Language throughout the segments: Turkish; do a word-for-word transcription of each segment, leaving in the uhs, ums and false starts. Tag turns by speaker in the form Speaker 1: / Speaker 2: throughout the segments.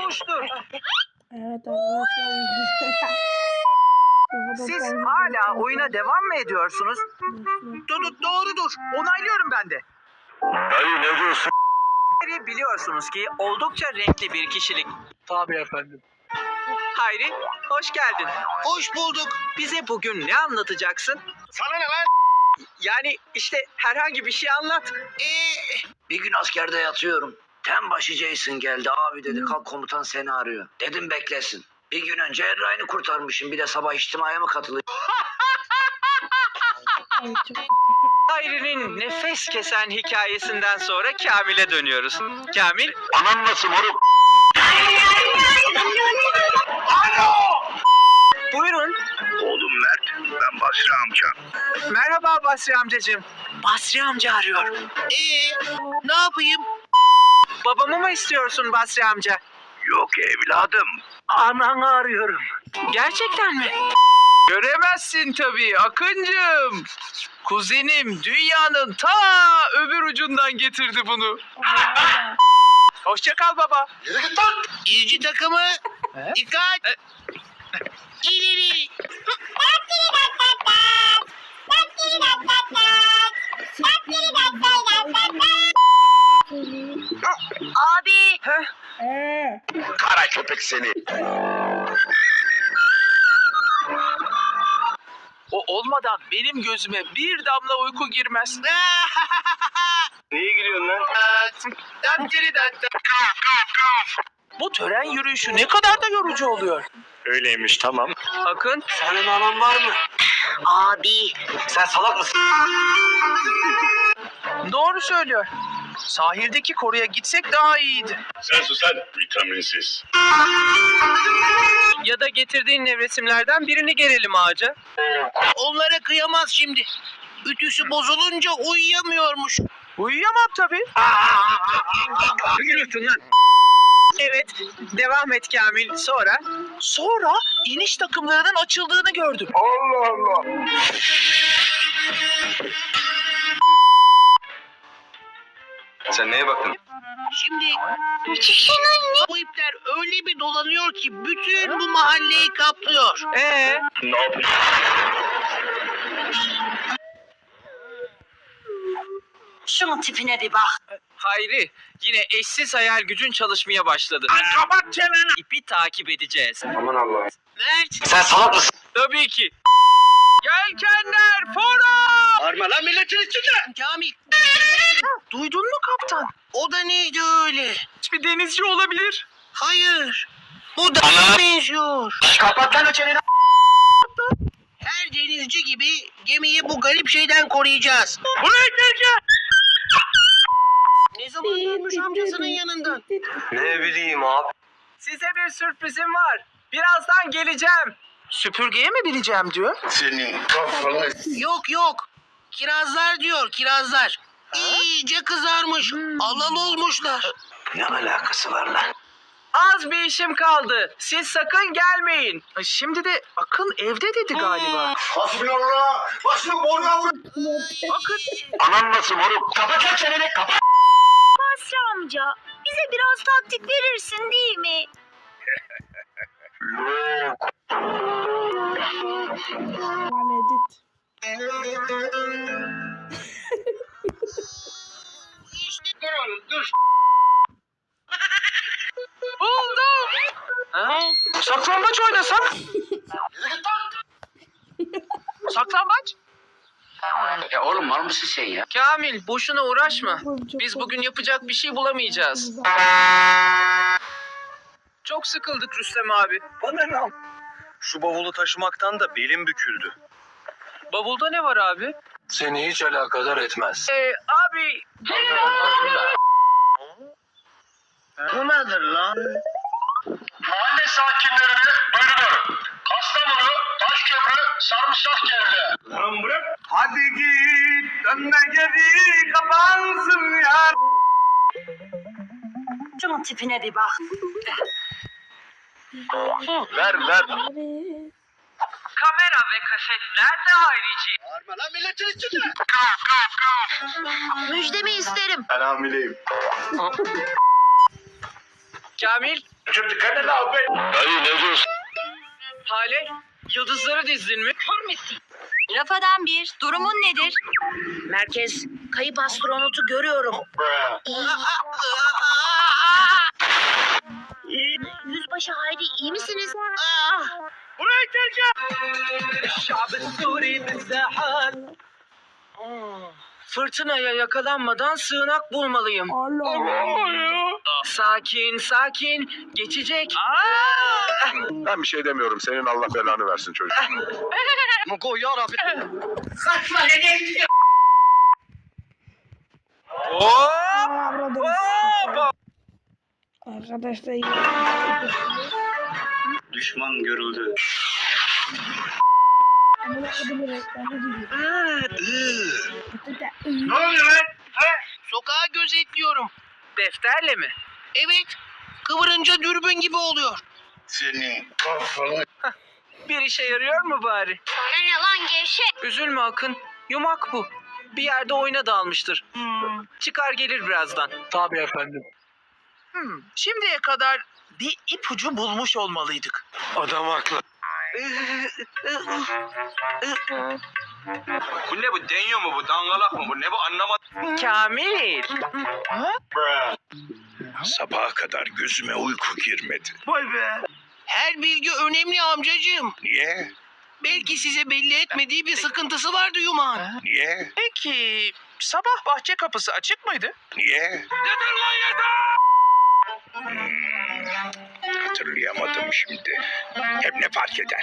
Speaker 1: olmuştur.
Speaker 2: Evet arkadaşlar.
Speaker 1: Siz hala oyuna devam mı ediyorsunuz? Dur, doğrudur. Onaylıyorum ben de.
Speaker 3: Dayı ne diyorsun?
Speaker 1: Biliyorsunuz ki oldukça renkli bir kişilik.
Speaker 3: Tabii efendim.
Speaker 1: Hayri, hoş geldin.
Speaker 4: Hoş bulduk.
Speaker 1: Bize bugün ne anlatacaksın?
Speaker 4: Sana ne lan?
Speaker 1: Yani işte herhangi bir şey anlat.
Speaker 4: Ee,
Speaker 3: Bir gün askerde yatıyorum. Tem başı Jason geldi. Abi dedi kalk komutan seni arıyor. Dedim beklesin. Bir gün önce Erray'ını kurtarmışım. Bir de sabah içtimaya mı katılayım?
Speaker 1: Hayri'nin nefes kesen hikayesinden sonra Kamil'e dönüyoruz. Kamil,
Speaker 3: Anan nasıl moruk?
Speaker 1: buyurun.
Speaker 3: Oğlum Mert, ben Basri amca.
Speaker 1: Merhaba Basri amcacığım. Basri amca arıyor.
Speaker 4: ee, ne yapayım?
Speaker 1: Babamı mı istiyorsun Basri amca?
Speaker 3: Yok evladım. Ananı arıyorum.
Speaker 1: Gerçekten mi?
Speaker 5: Göremezsin tabii Akıncığım. Kuzenim dünyanın ta öbür ucundan getirdi bunu. Hoşça kal baba.
Speaker 4: Yürü git lan. İzci takımı. Dikkat. İleri.
Speaker 6: Abi.
Speaker 1: Heh,
Speaker 2: Eee.
Speaker 3: Kara köpek seni.
Speaker 5: O olmadan benim gözüme bir damla uyku girmez.
Speaker 3: Niye gülüyorsun lan?
Speaker 5: Bu tören yürüyüşü ne kadar da yorucu oluyor.
Speaker 3: Öyleymiş tamam.
Speaker 1: Akın,
Speaker 3: Senin anan var mı?
Speaker 6: Abi.
Speaker 3: Sen salak mısın?
Speaker 5: Doğru söylüyor. Sahildeki koruya gitsek daha iyiydi.
Speaker 7: Sen susan vitaminsiz.
Speaker 1: ya da getirdiğin nevresimlerden birini gerelim ağaca.
Speaker 4: Onlara kıyamaz şimdi. Ütüsü bozulunca uyuyamıyormuş.
Speaker 1: Uyuyamam tabii.
Speaker 3: Gülüyorsun lan.
Speaker 1: Evet, devam et Kamil. Sonra?
Speaker 5: Sonra iniş takımlarının açıldığını gördüm.
Speaker 3: Allah Allah. Sen neye baktın?
Speaker 4: Şimdi bu ipler öyle bir dolanıyor ki bütün bu mahalleyi kaplıyor.
Speaker 1: Ee,
Speaker 3: Ne yapıyorsun?
Speaker 6: Şunun tipine bir bak.
Speaker 1: Hayri, yine eşsiz hayal gücün çalışmaya başladı.
Speaker 4: Kapat çeneni.
Speaker 1: İpi takip edeceğiz.
Speaker 3: Aman Allah'ım.
Speaker 4: Mert.
Speaker 3: Sen salak mısın?
Speaker 1: Tabii ki. Yelkenler fora!
Speaker 4: Bağırma lan milletin içinde. Kamil.
Speaker 1: Duydun mu kaptan?
Speaker 4: O da neydi öyle?
Speaker 1: Hiçbir denizci olabilir.
Speaker 4: Hayır. Bu da benziyor.
Speaker 3: Kapat lan o çeneni.
Speaker 4: Her denizci gibi gemiyi bu garip şeyden koruyacağız.
Speaker 1: Buraya gel gel.
Speaker 4: Ne zaman dönmüş amcasının yanından?
Speaker 3: Ne bileyim abi.
Speaker 1: Size bir sürprizim var. Birazdan geleceğim.
Speaker 5: Süpürgeye mi bineceğim diyor.
Speaker 7: Senin kafanı...
Speaker 4: Yok yok. Kirazlar diyor kirazlar. İyice kızarmış. Alal olmuşlar.
Speaker 3: Ne alakası var lan?
Speaker 1: Az bir işim kaldı. Siz sakın gelmeyin.
Speaker 5: Ay, Şimdi de Akın evde dedi galiba.
Speaker 3: Hasbinallah. Başını boruya vur.
Speaker 1: Bakın.
Speaker 3: Anan nasıl moruk? Kapat lan çeneni kapat.
Speaker 6: Basri amca. Bize biraz taktik verirsin değil mi?
Speaker 3: Yok.
Speaker 2: Lan edit.
Speaker 4: Dur oğlum dur.
Speaker 1: Buldum. Ha? Saklambaç oynasak? Saklambaç?
Speaker 3: Ya oğlum var mısın sen ya?
Speaker 1: Kamil, boşuna uğraşma.
Speaker 2: Oğlum, çok
Speaker 1: Biz
Speaker 2: korkunç.
Speaker 1: bugün yapacak bir şey bulamayacağız. Çok sıkıldık Rüstem abi.
Speaker 3: Bana ne? Şu bavulu taşımaktan da belim büküldü.
Speaker 1: Bavulda ne var abi?
Speaker 3: Seni hiç alakadar etmez.
Speaker 1: Ee, abi...
Speaker 4: Bu nedir lan?
Speaker 7: Mahalle sakinlerine duyuruyorum. Kastamonu, Taşköprü, Sarımsak geldi. Lan bırak.
Speaker 3: Hadi git dönme geri kapansın ya.
Speaker 6: Şunun tipine bir bak.
Speaker 3: Ver ver.
Speaker 2: Abi.
Speaker 1: Kamera ve kaset nerede Hayriciğim?
Speaker 4: Bağırma lan milletin içinde.
Speaker 6: Müjdemi isterim.
Speaker 3: Ben hamileyim.
Speaker 1: Kamil,
Speaker 7: Dayı ne diyorsun?
Speaker 1: Hale, yıldızları dizdin mi?
Speaker 6: Rafadan bir. Durumun nedir?
Speaker 4: Merkez, kayıp astronotu görüyorum.
Speaker 6: Yüzbaşı Hayri iyi misiniz?
Speaker 4: Buraya geleceğim.
Speaker 1: Fırtınaya yakalanmadan sığınak bulmalıyım.
Speaker 2: Allah Allah.
Speaker 1: Sakin, sakin. Geçecek.
Speaker 7: Ben bir şey demiyorum. Senin Allah belanı versin çocuk.
Speaker 1: Mugo yarabbi.
Speaker 4: Kaçma ne
Speaker 2: Aa, burada. Arkadaşlar yine.
Speaker 7: Düşman görüldü.
Speaker 2: Amına kodumun reklamı gibi.
Speaker 7: Ne oluyor lan?
Speaker 4: Sokağı gözetliyorum.
Speaker 1: Defterle mi?
Speaker 4: Evet, kıvırınca dürbün gibi oluyor.
Speaker 7: Senin kafanı.
Speaker 1: Bir işe yarıyor mu bari?
Speaker 6: Sana ne lan gevşek?
Speaker 1: Üzülme Akın. Yumak bu. Bir yerde oyuna dalmıştır. Çıkar gelir birazdan. Tabii efendim.
Speaker 5: Hmm, şimdiye kadar bir ipucu bulmuş olmalıydık.
Speaker 7: Adam haklı.
Speaker 8: Bu ne bu? Deniyor mu bu? Dangalak mı bu? Ne bu? Anlamadım.
Speaker 1: Kamil.
Speaker 7: Sabaha kadar gözüme uyku girmedi.
Speaker 5: Vay be.
Speaker 4: Her bilgi önemli amcacığım.
Speaker 7: Niye?
Speaker 4: Belki size belli etmediği bir sıkıntısı vardı Yuman.
Speaker 7: Niye?
Speaker 5: Peki sabah bahçe kapısı açık mıydı?
Speaker 7: Niye? Yeter lan yeter! Hatırlayamadım şimdi. Hem ne fark eder?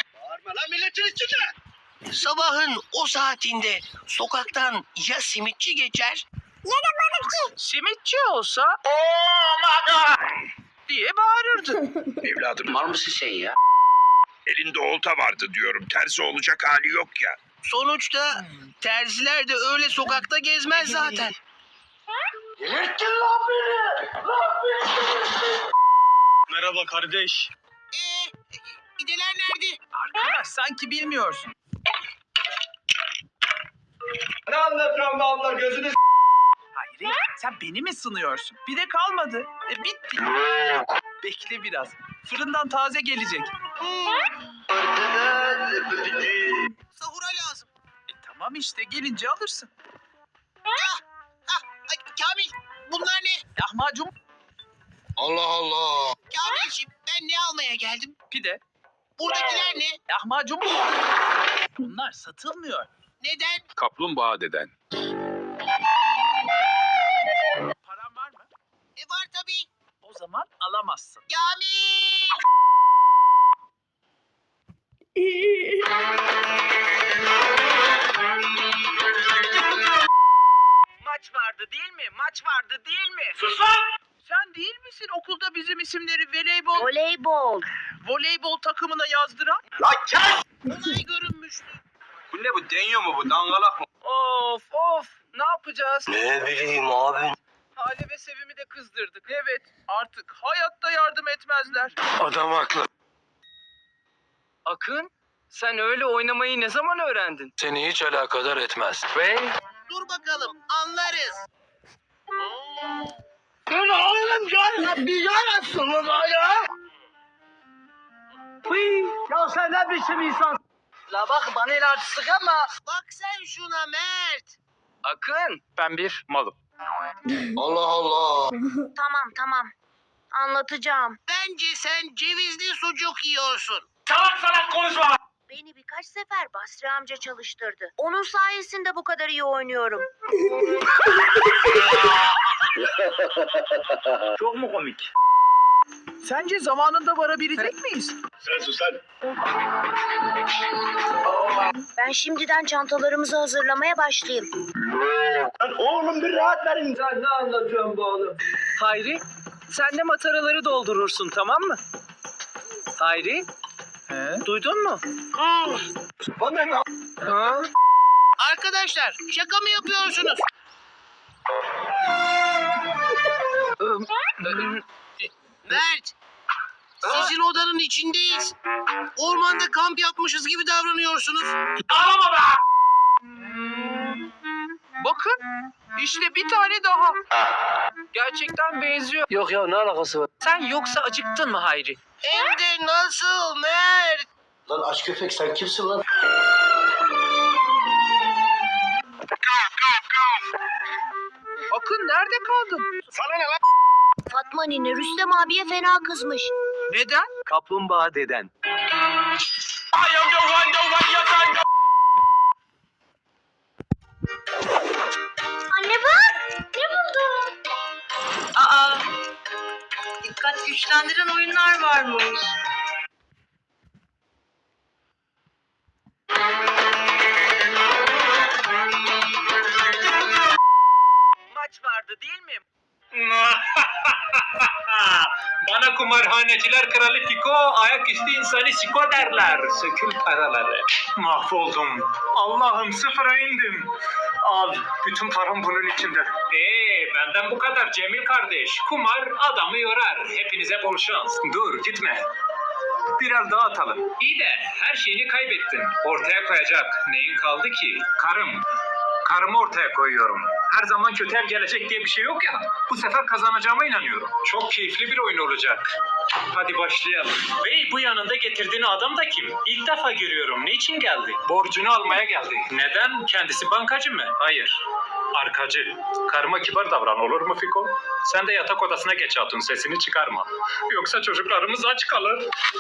Speaker 4: Sabahın o saatinde sokaktan ya simitçi geçer
Speaker 5: Simitçi olsa oh my god diye bağırırdı.
Speaker 3: Evladım var mısın sen ya?
Speaker 7: Elinde olta vardı diyorum. Tersi olacak hali yok ya.
Speaker 4: Sonuçta terziler de öyle sokakta gezmez zaten.
Speaker 8: Merhaba kardeş.
Speaker 4: Eee gideler nerede?
Speaker 5: Arkadaş sanki bilmiyorsun.
Speaker 8: Ne anlatıyorsun be abla? Gözünü
Speaker 5: Hayır sen beni mi sınıyorsun? Bir de kalmadı. E, bitti. Bekle biraz. Fırından taze gelecek.
Speaker 4: Sahura lazım.
Speaker 5: E, tamam işte gelince alırsın.
Speaker 4: Ah, ay, Kamil bunlar ne?
Speaker 5: Lahmacun
Speaker 7: Allah Allah.
Speaker 4: Kamilciğim ben ne almaya geldim?
Speaker 5: pide.
Speaker 4: Buradakiler ne?
Speaker 5: Lahmacun bunlar satılmıyor.
Speaker 4: Neden?
Speaker 7: Kaplumbağa deden.
Speaker 5: Paran var mı?
Speaker 4: E var tabii.
Speaker 5: O zaman alamazsın.
Speaker 4: Kamil!
Speaker 1: Maç vardı değil mi? Maç vardı değil mi?
Speaker 8: sus lan!
Speaker 5: Sen değil misin okulda bizim isimleri voleybol,
Speaker 6: Voleybol.
Speaker 5: voleybol takımına yazdıran?
Speaker 8: Lan kes!
Speaker 4: Olay görünmüştü.
Speaker 8: Bu ne bu? Deniyor mu bu? Dangalak mı?
Speaker 1: Of of. Ne yapacağız?
Speaker 3: Ne bileyim abi.
Speaker 5: Hale ve Sevim'i de kızdırdık. Evet artık hayatta yardım etmezler.
Speaker 7: Adam haklı.
Speaker 1: Akın, sen öyle oynamayı ne zaman öğrendin?
Speaker 7: Seni hiç alakadar etmez.
Speaker 1: Ve
Speaker 4: Dur bakalım anlarız.
Speaker 1: ya sen ne biçim insan? La bak bana el artistik ama.
Speaker 4: Bak sen şuna Mert.
Speaker 1: Akın. Ben bir malım.
Speaker 7: Allah Allah.
Speaker 6: Tamam tamam. Anlatacağım.
Speaker 4: Bence sen cevizli sucuk yiyorsun.
Speaker 8: Salak salak konuşma!
Speaker 6: Beni birkaç sefer Basri amca çalıştırdı. Onun sayesinde bu kadar iyi oynuyorum.
Speaker 8: Çok mu komik?
Speaker 5: Sence zamanında varabilecek miyiz?
Speaker 7: Sen sus sen.
Speaker 6: Ben şimdiden çantalarımızı hazırlamaya başlayayım.
Speaker 8: Lan oğlum bir rahat verin.
Speaker 1: Sen ne anlatıyorsun bu oğlum? Hayri, sen de mataraları doldurursun tamam mı? Hayri,
Speaker 5: He?
Speaker 1: duydun mu?
Speaker 8: Bana ne?
Speaker 1: Ha?
Speaker 4: Arkadaşlar şaka mı yapıyorsunuz? Mert. Sizin odanın içindeyiz. Ormanda kamp yapmışız gibi davranıyorsunuz.
Speaker 8: Ağlama be!
Speaker 1: Bakın işte bir tane daha. Gerçekten benziyor.
Speaker 8: Yok ya ne alakası var?
Speaker 1: Sen yoksa acıktın mı Hayri?
Speaker 4: Hem de nasıl Mert?
Speaker 8: Lan aç köpek sen kimsin lan?
Speaker 1: Akın nerede kaldın?
Speaker 8: Sana ne lan?
Speaker 6: Fatma nene Rüstem abiye fena kızmış.
Speaker 1: Neden?
Speaker 5: Kaplumbağa deden.
Speaker 6: Anne bak ne buldum? Aa dikkat güçlendiren oyunlar varmış.
Speaker 1: Maç vardı değil mi?
Speaker 9: Bana kumarhaneciler kralı Fiko, ayaküstü insanı Siko derler. Sökül paraları. Mahvoldum. Allah'ım sıfıra indim. Al, bütün param bunun içinde. Eee, benden bu kadar Cemil kardeş. Kumar adamı yorar. Hepinize bol şans. Dur, gitme. Biraz daha atalım. İyi de her şeyini kaybettin. Ortaya koyacak neyin kaldı ki? Karım. Karımı ortaya koyuyorum. Her zaman kötü el gelecek diye bir şey yok ya. Bu sefer kazanacağıma inanıyorum. Çok keyifli bir oyun olacak. Hadi başlayalım. Bey bu yanında getirdiğin adam da kim? İlk defa görüyorum. Niçin geldi? Borcunu almaya geldi. Neden? Kendisi bankacı mı? Hayır. Arkacı. Karıma kibar davran olur mu Fiko? Sen de yatak odasına geç hatun, sesini çıkarma. Yoksa çocuklarımız aç kalır.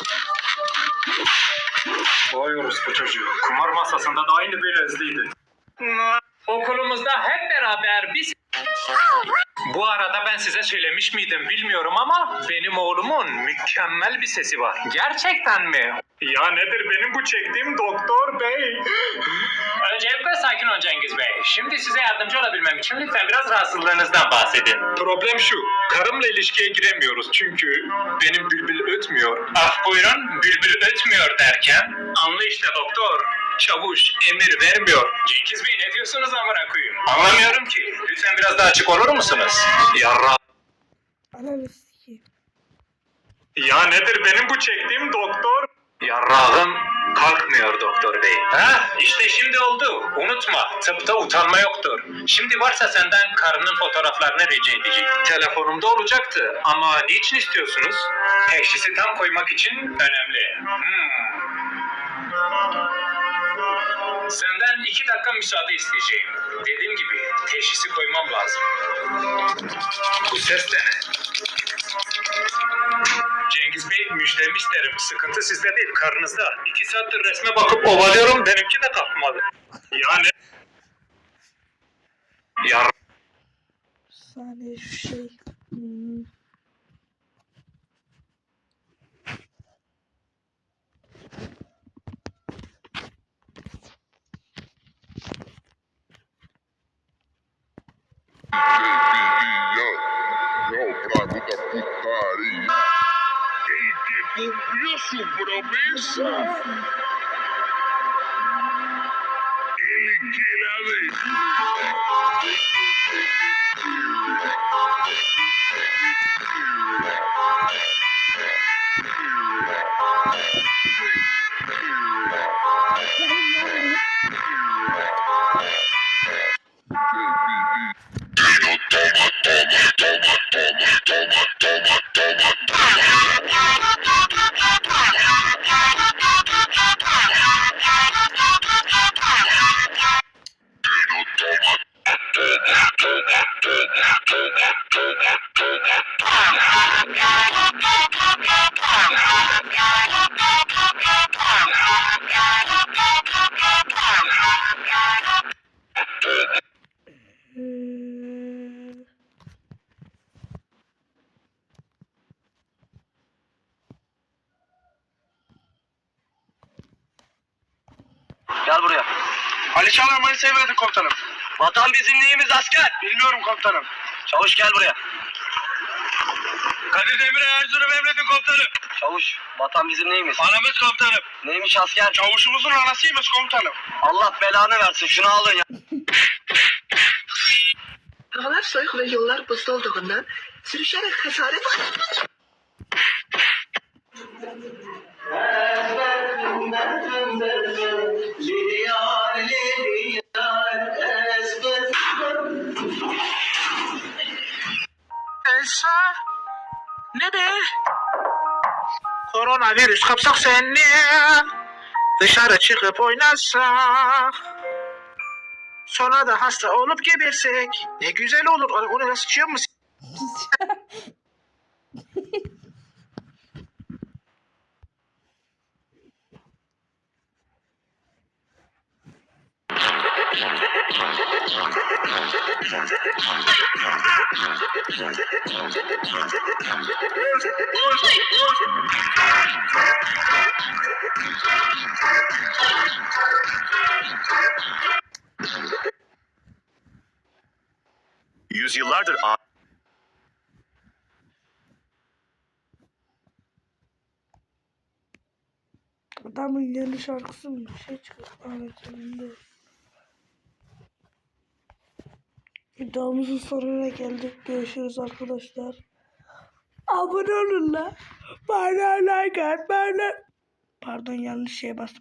Speaker 9: Doyuyoruz bu çocuğu. Kumar masasında da aynı böyle hızlıydı. Okulumuzda hep beraber biz... Bu arada ben size söylemiş miydim bilmiyorum ama benim oğlumun mükemmel bir sesi var. Gerçekten mi? Ya nedir benim bu çektiğim doktor bey? Öncelikle sakin ol Cengiz Bey. Şimdi size yardımcı olabilmem için lütfen biraz rahatsızlığınızdan bahsedin. Problem şu, karımla ilişkiye giremiyoruz çünkü benim bülbül ötmüyor. Ah buyurun, bülbül ötmüyor derken? Anla işte doktor. Çavuş emir vermiyor. Cengiz Bey ne diyorsunuz amına koyayım? Anlamıyorum ki. Lütfen biraz daha açık olur musunuz? Yarra.
Speaker 2: Ananı sikeyim.
Speaker 9: Ya nedir benim bu çektiğim doktor? Yarrağım kalkmıyor doktor bey. Ha işte şimdi oldu. Unutma tıpta utanma yoktur. Şimdi varsa senden karının fotoğraflarını rica edeceğim. Telefonumda olacaktı ama niçin istiyorsunuz? Teşhisi tam koymak için önemli. Hmm. Senden iki dakika müsaade isteyeceğim. Dediğim gibi teşhisi koymam lazım. Bu ses de ne? Cengiz Bey müjdemi isterim. Sıkıntı sizde değil karınızda. İki saattir resme bakıp ovalıyorum benimki de kalkmadı. Yani... Ya...
Speaker 2: Bir saniye şu şey. Hmm.
Speaker 7: El que cumplió su promesa, el que la dejó.
Speaker 2: Hmm.
Speaker 8: Gel buraya. Ali Çağlarmayı sevmedim komutanım. Vatan bizim neyimiz asker? Bilmiyorum komutanım. Çavuş gel buraya. Kadir Demir'e Erzurum emredin komutanım. Çavuş, vatan bizim neyimiz? Anamız komutanım. Neymiş asker? Çavuşumuzun anasıymış komutanım. Allah belanı versin, şunu alın ya.
Speaker 10: Havalar soğuk ve yollar buzlu olduğundan sürüşerek hasaret...
Speaker 4: abi. Koronavirüs kapsak seni. Dışarı çıkıp oynarsak. Sonra da hasta olup gebersek. Ne güzel olur. O ne sıçıyor mu?
Speaker 7: Yüzyıllardır a-
Speaker 2: Adamın yeni şarkısı mı? Bir şey çıkıyor. Anlatımında. Videomuzun sonuna geldik. Görüşürüz arkadaşlar. Abone olun la. Bana like at. Bana. Pardon yanlış şeye bastım.